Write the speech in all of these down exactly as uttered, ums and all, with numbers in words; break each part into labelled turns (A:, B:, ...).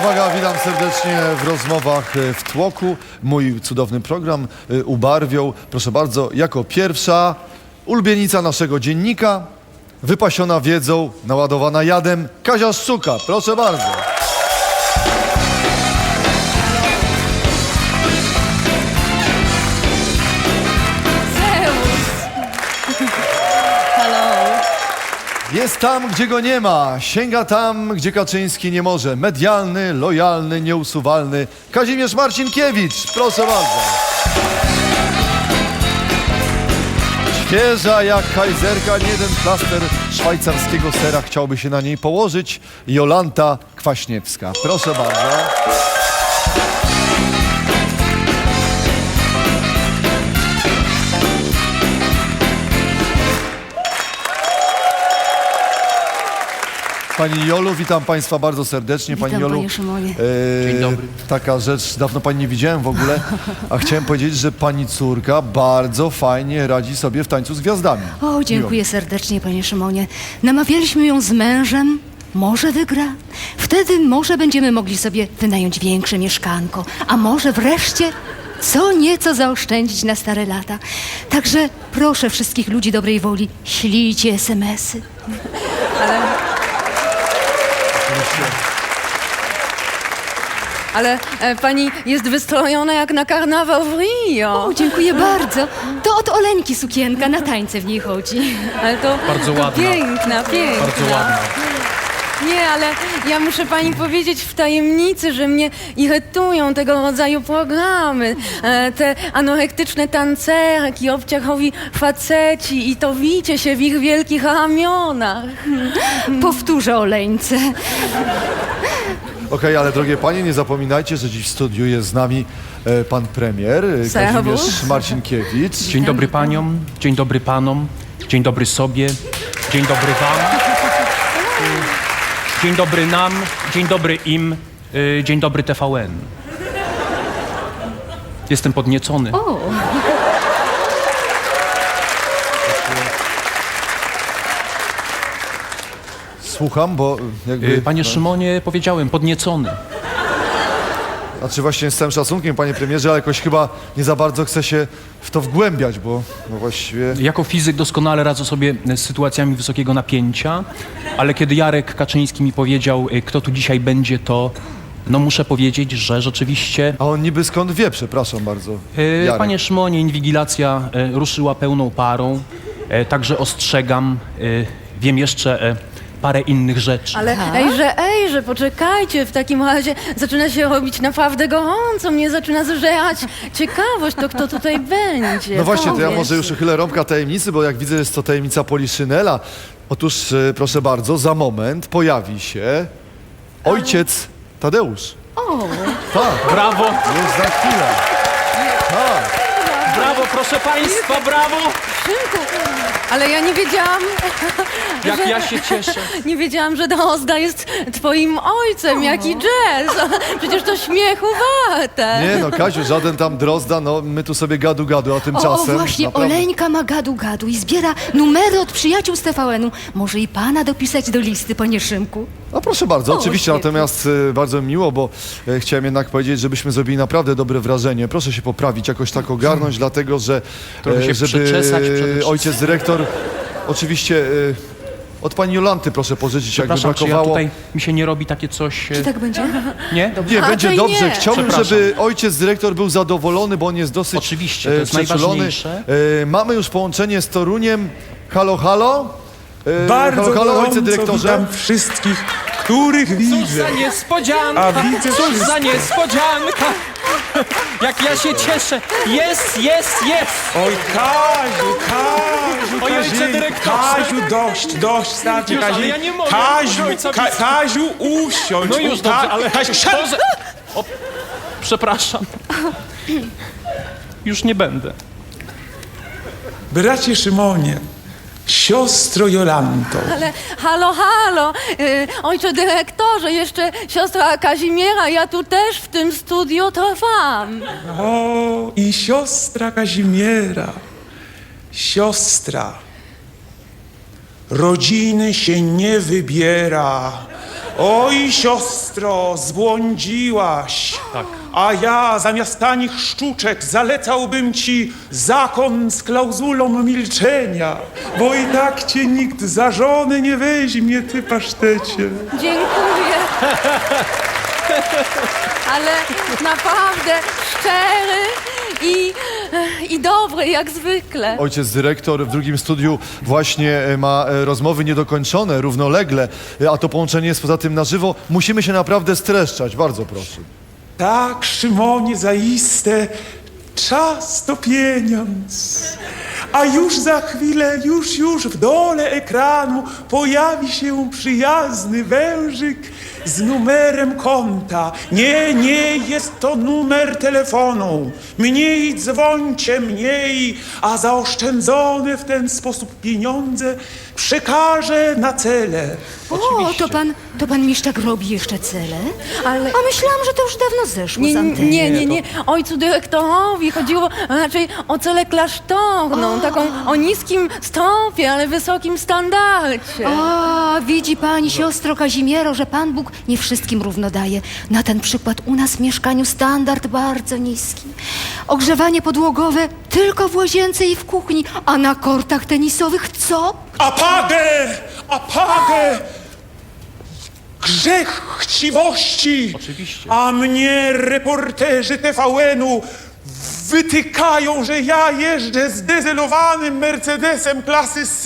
A: uwaga, witam serdecznie w rozmowach w tłoku. Mój cudowny program ubarwią, proszę bardzo, jako pierwsza ulubienica naszego dziennika, wypasiona wiedzą, naładowana jadem, Kazia Szczuka. Proszę bardzo. Jest tam, gdzie go nie ma, sięga tam, gdzie Kaczyński nie może. Medialny, lojalny, nieusuwalny Kazimierz Marcinkiewicz. Proszę bardzo. Świeża jak kajzerka, nie jeden plaster szwajcarskiego sera chciałby się na niej położyć. Jolanta Kwaśniewska. Proszę bardzo. Pani Jolu, witam Państwa bardzo serdecznie.
B: Witam,
A: Pani Jolu,
B: panie Szymonie.
A: e,
C: Dzień dobry.
A: Taka rzecz, dawno Pani nie widziałem w ogóle, a chciałem powiedzieć, że Pani córka bardzo fajnie radzi sobie w tańcu z gwiazdami.
B: O, dziękuję serdecznie, panie Szymonie. Namawialiśmy ją z mężem. Może wygra. Wtedy może będziemy mogli sobie wynająć większe mieszkanko. A może wreszcie co nieco zaoszczędzić na stare lata. Także proszę wszystkich ludzi dobrej woli, ślijcie es em esy.
D: Ale e, pani jest wystrojona jak na karnawał w Rio.
B: O, dziękuję bardzo. To od Oleńki sukienka, na tańce w niej chodzi.
D: Ale to,
C: Bardzo
D: to
C: ładna.
D: piękna, piękna.
C: Bardzo ładna.
D: Nie, ale ja muszę pani powiedzieć w tajemnicy, że mnie irytują tego rodzaju programy. E, te anorektyczne tancerki, obciachowi faceci i to wicie się w ich wielkich ramionach.
B: Powtórzę Oleńce.
A: Okej, ale drogie Panie, nie zapominajcie, że dziś w studiu jest z nami e, Pan Premier e,
D: Serwus.
A: Kazimierz Marcinkiewicz.
C: Dzień dobry paniom, dzień dobry panom, dzień dobry sobie, dzień dobry wam, dzień dobry nam, dzień dobry im, y, dzień dobry T V N. Jestem podniecony.
B: O,
A: Słucham, bo jakby...
C: Y, Panie Szymonie, powiedziałem, podniecony.
A: Znaczy właśnie z całym szacunkiem, Panie Premierze, ale jakoś chyba nie za bardzo chcę się w to wgłębiać, bo no właściwie...
C: Jako fizyk doskonale radzę sobie z sytuacjami wysokiego napięcia, ale kiedy Jarek Kaczyński mi powiedział, y, kto tu dzisiaj będzie, to no muszę powiedzieć, że rzeczywiście...
A: A on niby skąd wie, przepraszam bardzo.
C: E,
A: Jarek.
C: Panie Szymonie, inwigilacja e, ruszyła pełną parą, e, także ostrzegam, e, wiem jeszcze e, parę innych rzeczy.
D: Ale ejże, ejże, poczekajcie, w takim razie zaczyna się robić naprawdę gorąco, mnie zaczyna zżerać ciekawość, to kto tutaj będzie.
A: No właśnie, to ja
D: Powiedz.
A: może już uchylę rąbka tajemnicy, bo jak widzę, jest to tajemnica Poliszynela. Otóż, e, proszę bardzo, za moment pojawi się ojciec Tadeusz.
B: o.
A: Tak,
C: Brawo,
A: już za chwilę. Tak.
C: brawo, proszę państwa, brawo!
D: Szynku, ale ja nie wiedziałam,
C: Jak
D: że,
C: ja się cieszę.
D: nie wiedziałam, że Drozda jest twoim ojcem, jaki jazz. Przecież to śmiechu warte.
A: Nie no, Kaziu, żaden tam Drozda, no my tu sobie gadu gadu, a
B: O, o
A: tymczasem...
B: właśnie,
A: naprawdę-
B: Oleńka ma gadu gadu i zbiera numery od przyjaciół z T V N-u. Może i pana dopisać do listy, panie Szymku?
A: No proszę bardzo,
B: O,
A: oczywiście,
B: świetnie.
A: natomiast e, bardzo mi miło, bo e, chciałem jednak powiedzieć, żebyśmy zrobili naprawdę dobre wrażenie. Proszę się poprawić, jakoś tak ogarnąć, dlatego że
C: Trochę się
A: żeby
C: przeczesać przede wszystkim.
A: ojciec dyrektor, oczywiście e, od pani Jolanty proszę pożyczyć, jakby
C: Przepraszam, czy ja
A: brakowało.
C: tutaj, mi się nie robi takie coś, e,
B: Czy tak będzie?
C: nie?
A: Nie,
D: A,
A: będzie
D: to i
A: dobrze.
D: nie.
A: Chciałbym,
C: Przepraszam.
A: żeby ojciec dyrektor był zadowolony, bo on jest dosyć
C: Oczywiście, to
A: e,
C: jest
A: przeczulony.
C: najważniejsze.
A: E, mamy już połączenie z Toruniem. Halo, halo? E,
E: Bardzo
A: halo, halo, ojcze
E: gorąco
A: dyrektorze.
E: witam wszystkich, których
C: Cóż
E: widzę.
C: za niespodzianka!
E: A widzę
C: Cóż za
E: wszystko.
C: niespodzianka! Jak ja się cieszę! Jest, jest, jest!
E: Oj, Kaziu, Kaziu,
C: Oj, ojcze
E: Kaziu,
C: dyrektorze.
E: Kaziu, dość, dość, starczy,
C: Już, ale
E: Kaziu.
C: ja nie mogę,
E: Kaziu,
C: ojca
E: Ka
C: blisko.
E: Kaziu, usiądź.
C: No już
E: u-
C: dobrze,
E: Ka-
C: ale...
E: Kaziu, siad-
C: Boże! O, przepraszam. Już nie będę.
E: Bracie Szymonie, siostro Jolanto,
D: Ale halo, halo, y, ojcze dyrektorze, jeszcze siostra Kazimiera, ja tu też w tym studiu trwam.
E: o i siostra Kazimiera, siostra, rodziny się nie wybiera, Oj, siostro, zbłądziłaś.
C: Tak.
E: A ja zamiast tanich sztuczek zalecałbym ci zakon z klauzulą milczenia, bo i tak cię nikt za żonę nie weźmie, ty pasztecie.
D: Dziękuję. Ale naprawdę szczery i, i dobry, jak zwykle.
A: Ojciec dyrektor w drugim studiu właśnie e, ma e, rozmowy niedokończone, równolegle, e, a to połączenie jest poza tym na żywo. Musimy się naprawdę streszczać, bardzo proszę.
E: Tak, Szymonie, zaiste, czas to pieniądz. A już za chwilę, już, już w dole ekranu pojawi się przyjazny wężyk z numerem konta. Nie, nie, jest to numer telefonu. Mniej dzwońcie, mniej, a zaoszczędzone w ten sposób pieniądze przekażę na cele.
B: O, to pan, to pan Miszczak robi jeszcze cele?
D: Ale-
B: A myślałam, że to już dawno zeszło
D: Nie,
B: z anteny.
D: nie, nie, nie. Ojcu dyrektorowi chodziło raczej o celę klasztorną, taką o niskim stopie, ale wysokim standardzie.
B: A, widzi pani, siostro Kazimiero, że Pan Bóg nie wszystkim równo daje. Na ten przykład u nas w mieszkaniu standard bardzo niski. Ogrzewanie podłogowe tylko w łazience i w kuchni, a na kortach tenisowych co?
E: Apagę! Apagę! Grzech chciwości!
C: Oczywiście.
E: A mnie reporterzy T V N-u wytykają, że ja jeżdżę zdezelowanym Mercedesem klasy S.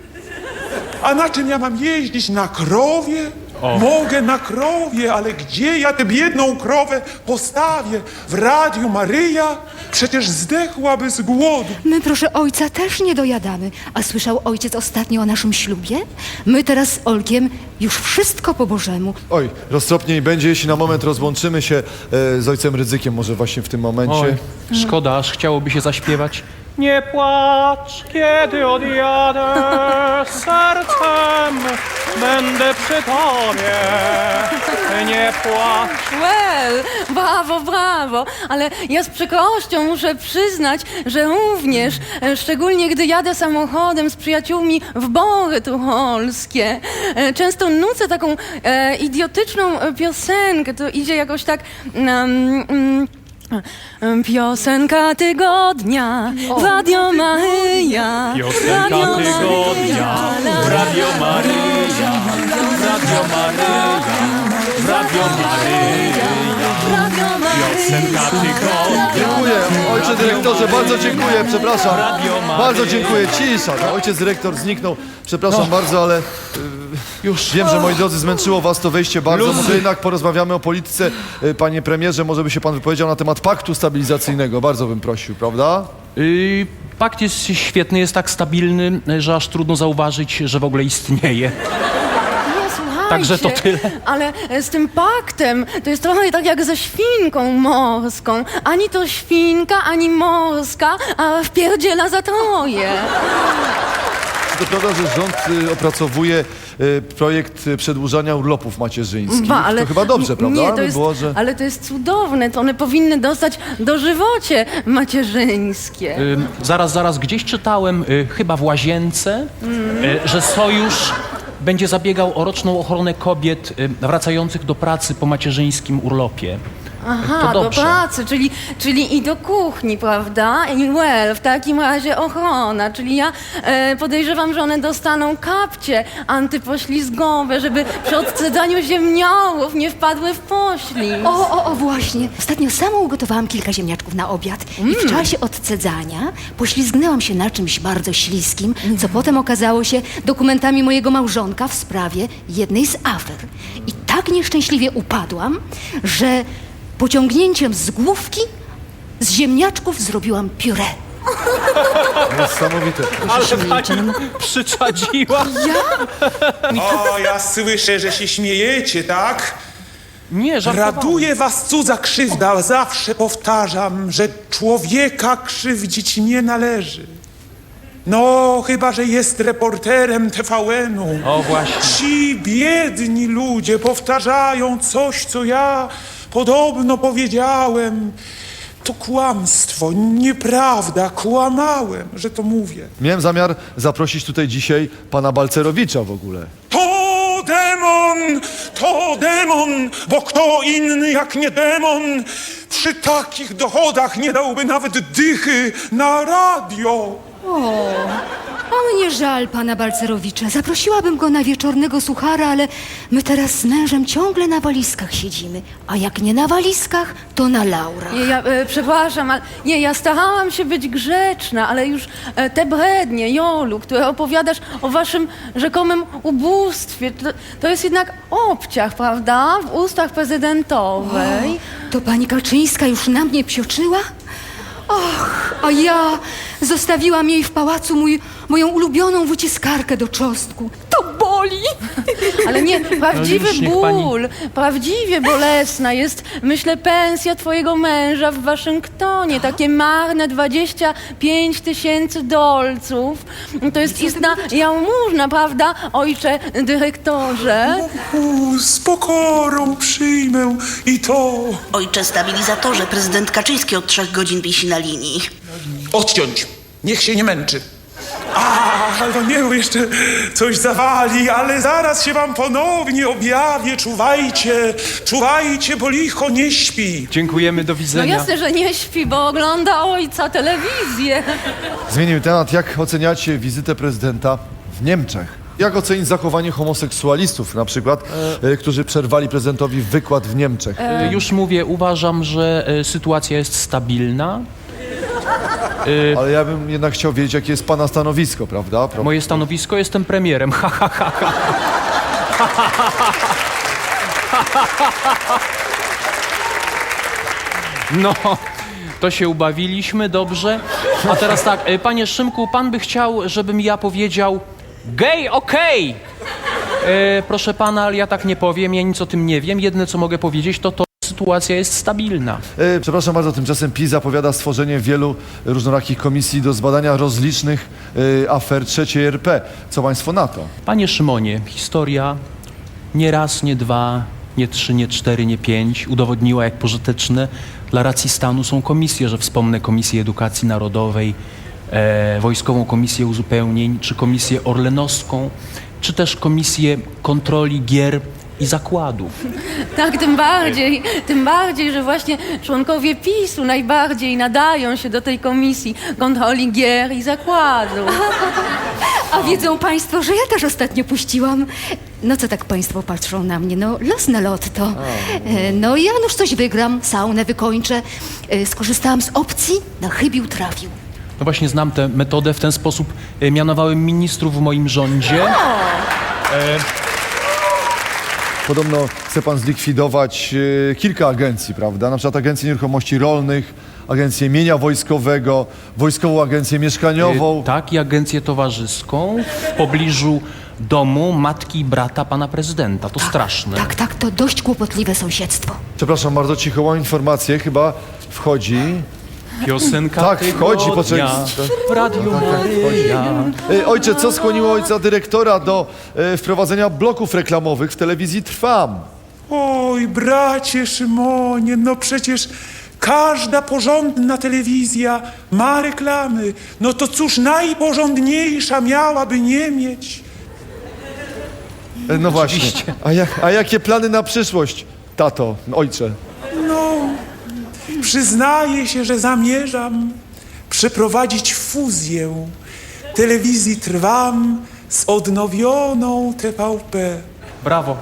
E: A na czym ja mam jeździć? Na krowie?
C: O.
E: Mogę na krowie, ale gdzie ja tę biedną krowę postawię? W Radiu Maryja? Przecież zdechłaby z głodu.
B: My, proszę ojca, też nie dojadamy. A słyszał ojciec ostatnio o naszym ślubie? My teraz z Olkiem już wszystko po Bożemu.
A: Oj, roztropniej będzie, jeśli na moment rozłączymy się e, z ojcem Rydzykiem, może właśnie w tym momencie.
C: Oj, szkoda, aż chciałoby się zaśpiewać. Nie płacz, kiedy odjadę, sercem będę przy tobie. Nie płacz.
D: Well, brawo, brawo, ale ja z przykrością muszę przyznać, że również, e, szczególnie gdy jadę samochodem z przyjaciółmi w Bory tucholskie, e, często nucę taką e, idiotyczną e, piosenkę, to idzie jakoś tak... Um, um, Piosenka tygodnia, Radio Maryja.
C: Piosenka
D: Radio
C: tygodnia,
D: Maryja.
C: Radio Maryja, Radio Maryja, Radio Maryja,
D: Radio Maryja.
C: piosenka tygodnia.
A: Dziękuję, ojcze dyrektorze, bardzo dziękuję, przepraszam.
C: Radio Maryja.
A: Bardzo dziękuję, cisza. No, ojciec dyrektor zniknął, przepraszam bardzo, ale... Już wiem, że moi drodzy, zmęczyło was to wejście bardzo.
C: Luzy.
A: Może jednak porozmawiamy o polityce. Y, Panie premierze, może by się pan wypowiedział na temat paktu stabilizacyjnego. Bardzo bym prosił, prawda?
C: Yy, pakt jest świetny, jest tak stabilny, że aż trudno zauważyć, że w ogóle istnieje.
D: Nie, słuchajcie,
C: Także to tyle.
D: Ale z tym paktem to jest trochę tak jak ze świnką morską. Ani to świnka, ani morska, a wpierdziela za troje.
A: To prawda, że rząd y, opracowuje y, projekt y, przedłużania urlopów macierzyńskich.
D: Ba, ale
A: To chyba dobrze, prawda?
D: Nie, to
A: By
D: jest,
A: było, że...
D: ale to jest cudowne. To one powinny dostać dożywocie macierzyńskie.
C: Yy, zaraz, zaraz, gdzieś czytałem, yy, chyba w Łazience, yy, że Sojusz będzie zabiegał o roczną ochronę kobiet yy, wracających do pracy po macierzyńskim urlopie.
D: Aha,
C: to
D: do
C: dobrze.
D: pracy, czyli, czyli i do kuchni, prawda? I well, w takim razie ochrona, czyli ja e, podejrzewam, że one dostaną kapcie antypoślizgowe, żeby przy odcedzaniu ziemniołów nie wpadły w poślizg.
B: O, o, o, właśnie. Ostatnio sama ugotowałam kilka ziemniaczków na obiad i w czasie odcedzania poślizgnęłam się na czymś bardzo śliskim, co potem okazało się dokumentami mojego małżonka w sprawie jednej z afer. I tak nieszczęśliwie upadłam, że pociągnięciem z główki z ziemniaczków zrobiłam pióre.
A: Niesamowite.
C: Ale pani przyczadziła.
E: O, ja słyszę, że się śmiejecie, tak?
C: Nie, żartowałem.
E: Raduje was cudza krzywda. Zawsze powtarzam, że człowieka krzywdzić nie należy. No, chyba że jest reporterem T V N-u.
C: O, właśnie.
E: Ci biedni ludzie powtarzają coś, co ja podobno powiedziałem. To kłamstwo, nieprawda, kłamałem, że to mówię.
A: Miałem zamiar zaprosić tutaj dzisiaj pana Balcerowicza w ogóle.
E: To demon demon, to demon, bo kto inny jak nie demon przy takich dochodach nie dałby nawet dychy na radio.
B: A mnie żal pana Balcerowicza. Zaprosiłabym go na wieczornego suchara, ale my teraz z mężem ciągle na walizkach siedzimy. A jak nie na walizkach, to na laurach.
D: Nie, ja e, przepraszam, ale nie, ja starałam się być grzeczna, ale już e, te brednie, Jolu, które opowiadasz o waszym rzekomym ubóstwie, to, to jest jednak obciach, prawda? W ustach prezydentowej.
B: To pani Kaczyńska już na mnie psioczyła? Och, a ja zostawiłam jej w pałacu mój, moją ulubioną wyciskarkę do czosnku. To boli!
D: Ale nie, prawdziwy
C: już niech pani-
D: ból, prawdziwie bolesna jest, myślę, pensja twojego męża w Waszyngtonie. Takie marne dwadzieścia pięć tysięcy dolców. To jest istna jałmużna, prawda, ojcze dyrektorze?
E: U, z pokorą przyjmę i to.
F: Ojcze stabilizatorze, prezydent Kaczyński od trzech godzin wisi na linii.
E: Odciąć. Niech się nie męczy. A, no nie, jeszcze coś zawali, ale zaraz się wam ponownie objawię. Czuwajcie, czuwajcie, bo licho nie śpi.
C: Dziękujemy, do
D: No
C: widzenia.
D: jasne, że nie śpi, bo ogląda ojca telewizję.
A: Zmienimy temat. Jak oceniacie wizytę prezydenta w Niemczech? Jak ocenić zachowanie homoseksualistów na przykład, e, którzy przerwali prezydentowi wykład w Niemczech?
C: E, Już mówię, uważam, że e, sytuacja jest stabilna.
A: Ale ja bym jednak chciał wiedzieć, jakie jest pana stanowisko, prawda? Pro...
C: Moje stanowisko, jestem premierem. Ha, ha, ha, ha. No, to się ubawiliśmy, dobrze. A teraz tak, e, panie Szymku, pan by chciał, żebym ja powiedział gej, okej! E, Proszę pana, ale ja tak nie powiem, ja nic o tym nie wiem. Jedyne, co mogę powiedzieć, to to, że sytuacja jest stabilna.
A: E, przepraszam bardzo, tymczasem PiS zapowiada stworzenie wielu różnorakich komisji do zbadania rozlicznych e, afer trzeciej R P. Co państwo na to?
C: Panie Szymonie, historia nie raz, nie dwa, nie trzy, nie cztery, nie pięć udowodniła, jak pożyteczne dla racji stanu są komisje, że wspomnę Komisję Edukacji Narodowej, e, Wojskową Komisję Uzupełnień, czy Komisję Orlenowską, czy też Komisję Kontroli Gier i Zakładów.
D: Tak, tym bardziej, tym bardziej, że właśnie członkowie PiSu najbardziej nadają się do tej komisji kontroli gier i zakładów.
B: A wiedzą państwo, że ja też ostatnio puściłam. No co tak państwo patrzą na mnie? No los na lotto. E, No ja już coś wygram, saunę wykończę. E, Skorzystałam z opcji, na chybił trafił.
C: No właśnie znam tę metodę, w ten sposób e, mianowałem ministrów w moim rządzie.
A: Podobno chce pan zlikwidować e, kilka agencji, prawda? Na przykład Agencję Nieruchomości Rolnych, Agencję Mienia Wojskowego, Wojskową Agencję Mieszkaniową.
C: E, Tak, i agencję towarzyską w pobliżu domu matki i brata pana prezydenta. To straszne.
B: Tak, tak, to dość kłopotliwe sąsiedztwo.
A: Przepraszam bardzo, cicho mam informację, chyba wchodzi...
C: Piosenka
A: Tak, wchodzi,
C: tygodnia
A: poczekaj.
C: w Radiu Maryja.
A: E, Ojcze, co skłoniło ojca dyrektora do e, wprowadzenia bloków reklamowych w telewizji Trwam?
E: Oj, bracie Szymonie, no przecież każda porządna telewizja ma reklamy. No to cóż najporządniejsza miałaby nie mieć?
A: E, No właśnie. A, jak, a jakie plany na przyszłość, tato, ojcze?
E: No, przyznaję się, że zamierzam przeprowadzić fuzję telewizji Trwam z odnowioną T V P.
C: Brawo.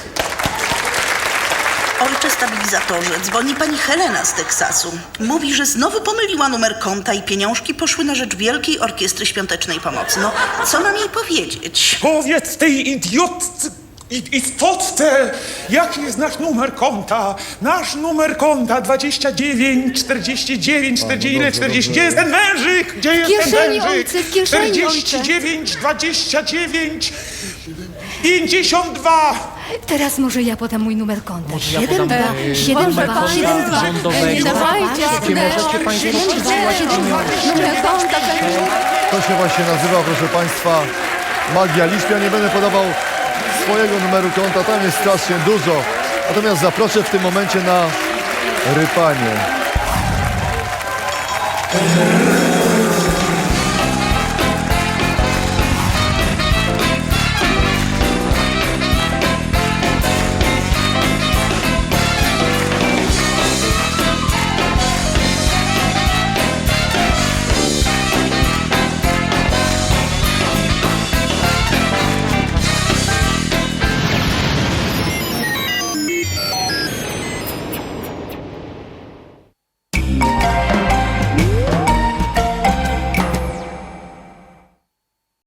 F: Ojcze stabilizatorze, dzwoni pani Helena z Teksasu. Mówi, że znowu pomyliła numer konta i pieniążki poszły na rzecz Wielkiej Orkiestry Świątecznej Pomocy. No, co mam jej powiedzieć?
E: Powiedz tej idiotce, i- istotce, jaki jest nasz numer konta? Nasz numer konta dwadzieścia dziewięć, czterdzieści dziewięć, czterdzieści, czterdzieści. Gdzie jest ten wężyk? Gdzie jest ten
B: kieszeni,
E: wężyk?
B: ojcze, w kieszeni,
E: czterdzieści dziewięć, dwadzieścia dziewięć, pięćdziesiąt dwa.
B: Teraz może ja podam mój numer konta.
C: ja
B: siedem
C: podam,
B: dwa,
C: e,
B: siedem
D: Proszę
B: dwa,
D: państwa,
B: siedem dwa.
C: rządowego.
D: nie dawajcie,
C: Gdzie możecie państwo przesyłać pieniążki.
D: numer konta,
A: To się właśnie nazywa, proszę państwa, magia liczb. Ja nie będę podawał swojego numeru konta, tam jest strasznie dużo. Natomiast zaproszę w tym momencie na rypanie.